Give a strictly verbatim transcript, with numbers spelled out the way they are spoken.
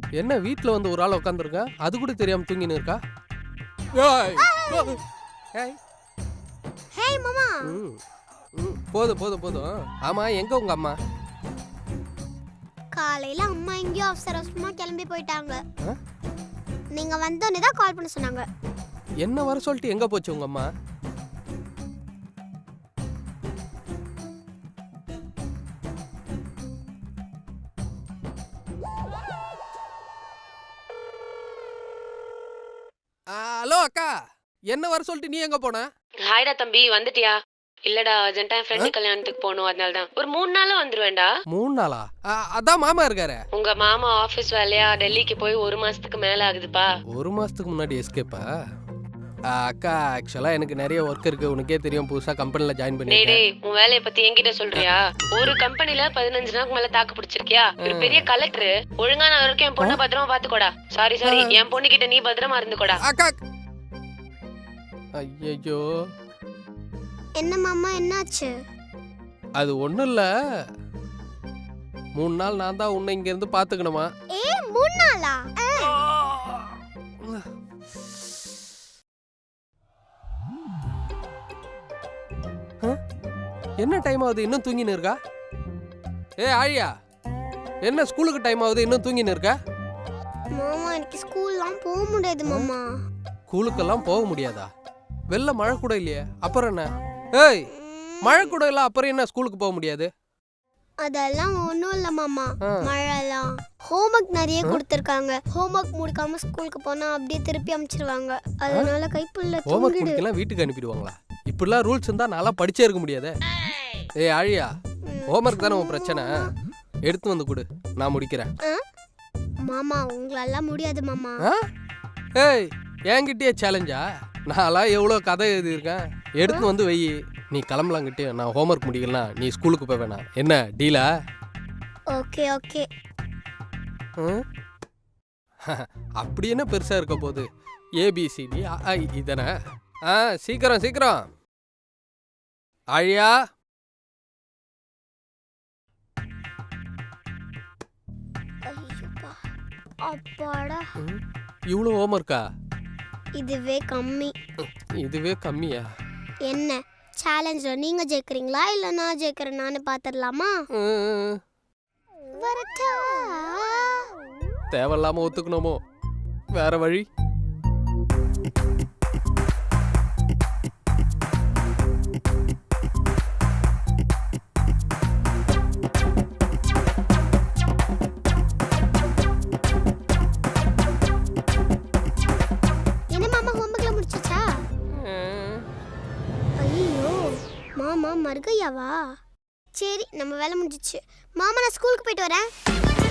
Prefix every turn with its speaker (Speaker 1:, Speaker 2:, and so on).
Speaker 1: என்ன வீட்டில் வந்து ஒரு ஆள் உட்காந்துருக்கா, அது கூட தெரியாம தூங்கின்னு இருக்கா?
Speaker 2: ஹேய் மாமா.
Speaker 1: போதும் போதும் போதும். ஆமா, எங்க உங்க அம்மா?
Speaker 2: காலையில அம்மா எங்கேயோ அவசர அவசரமா கிளம்பி போயிட்டாங்க. நீங்க வந்தோடனே தான் கால் பண்ண சொன்னாங்க.
Speaker 1: என்ன வர சொல்லிட்டு எங்க போச்சு உங்க அம்மா? ஹலோ அக்கா, என்ன வர சொல்லிட்டு நீ எங்க போன?
Speaker 3: ஹாய்டா தம்பி, வந்துட்டியா? இல்லடா, அர்ஜென்ட்டா என் ஃப்ரெண்டு கல்யாணத்துக்கு போகணும், அதனால தான். ஒரு மூணு நாள்ல வந்துருவேன்டா.
Speaker 1: மூணு நாளா? அதான் மாமா இருக்காரு.
Speaker 3: உங்க மாமா ஆபீஸ் வேலையா டெல்லிக்கு போய் ஒரு மாசத்துக்கு மேல ஆகுதுப்பா.
Speaker 1: ஒரு மாசத்துக்கு முன்னாடி எஸ்கேப்பா? அக்கா, ஆக்சுவலா எனக்கு நிறைய ஒர்க் இருக்கு, உனக்கே தெரியும், புதுசா கம்பெனில ஜாயின் பண்ணிட்டேன்.
Speaker 3: டேய், உன் வேலைய பத்தி என்கிட்ட சொல்றியா? ஒரு கம்பெனில பதினஞ்சு நாளுக்கு மேல தாக்கு பிடிச்சிருக்கியா? ஒரு பெரிய கலெக்டர். ஒழுங்கா நான் வரைக்கும் என் பொண்ணை பத்திரமா பாத்துக்கோடா. சாரி சாரி, என் பொண்ணு கிட்ட நீ பத்திரமா இருந்துக்கோடா.
Speaker 1: அக்கா, ஐயோ,
Speaker 2: என்ன மாமா, என்னாச்சு?
Speaker 1: அது ஒண்ணும் இல்ல, மூணு நாள் நான் தான் உன்னை இங்க இருந்து பாத்துக்கணுமா?
Speaker 2: ஏ, மூணு நாளா?
Speaker 1: என்ன டைம் ஆகுது, இன்னும் தூங்கின்னு இருக்கா? ஏ ஆழியா, என்ன ஸ்கூலுக்கு டைம் ஆகுது, இன்னும் தூங்கின்னு இருக்கா?
Speaker 2: மாமா, எனக்கு ஸ்கூல்லாம் போக முடியாது மாமா.
Speaker 1: ஸ்கூலுக்கெல்லாம் போக முடியாதா? வெள்ள மழை கூட இல்லையே, அப்புறம் என்ன? ஏய், மழை கூட இல்ல, அப்புறம் என்ன ஸ்கூலுக்கு போக முடியாது?
Speaker 2: அதெல்லாம் ஒண்ணும் இல்ல மாமா. மழைலாம் ஹோம்வொர்க் நிறைய கொடுத்திருக்காங்க. ஹோம்வொர்க் முடிக்காம ஸ்கூலுக்கு போனா அப்படியே திருப்பி அனுப்பிச்சிருவாங்க. அதனால கைப்புள்ள
Speaker 1: ஹோம்வொர்க் முடிக்கலாம் வீட்டுக்கு அனுப்பிடுவாங்களா? இப்படிலாம் ரூல்ஸ் இருந்தா நல்லா படிச்சே இருக்க முடியாதே. ஏய் ஆழியா, ஹோம்வொர்க் தானே உன் பிரச்சனை, எடுத்து வந்து கொடு, நான் முடிக்கிறேன்.
Speaker 2: மாமா, உங்களால முடியாது மாமா.
Speaker 1: ஏய், என்கிட்டயே சேலஞ்சா? நான்லாம் எவ்வளோ கதை எழுதியிருக்கேன், எடுத்து வந்து வை. நீ கிளம்பலாங்கிட்டே, நான் ஹோம்ஒர்க் முடிக்கலாம், நீ ஸ்கூலுக்கு போய் வேணாம். என்ன டீலா?
Speaker 2: Okay okay.
Speaker 1: அப்படி என்ன பெருசா இருக்க போகுது? ஏபிசிடி இதனை. ஆ, சீக்கிரம் சீக்கிரம். ஆழியா,
Speaker 2: அப்பாடா,
Speaker 1: இவ்வளோ ஹோம்ஒர்க்கா?
Speaker 2: இதுவே கம்மி.
Speaker 1: இதுவே கம்மியா?
Speaker 2: என்ன சேலஞ்ச்ல நீங்க ஜெயிக்கிறீங்களா இல்ல நான் ஜெயிக்கிறேனான்னு பாத்துடலாமா? வரட்டா?
Speaker 1: தேவையில்லாம ஒத்துக்கணுமோ? வேற வழி?
Speaker 2: என்ன மாமா, ஹோம்வொர்க்ல முடிச்சிச்சா? ஐயோ மாமா, மர்கையாவா? சரி, நம்ம வேலை முடிஞ்சிச்சு. மாமா, நான் ஸ்கூலுக்கு போயிட்டு வரேன்.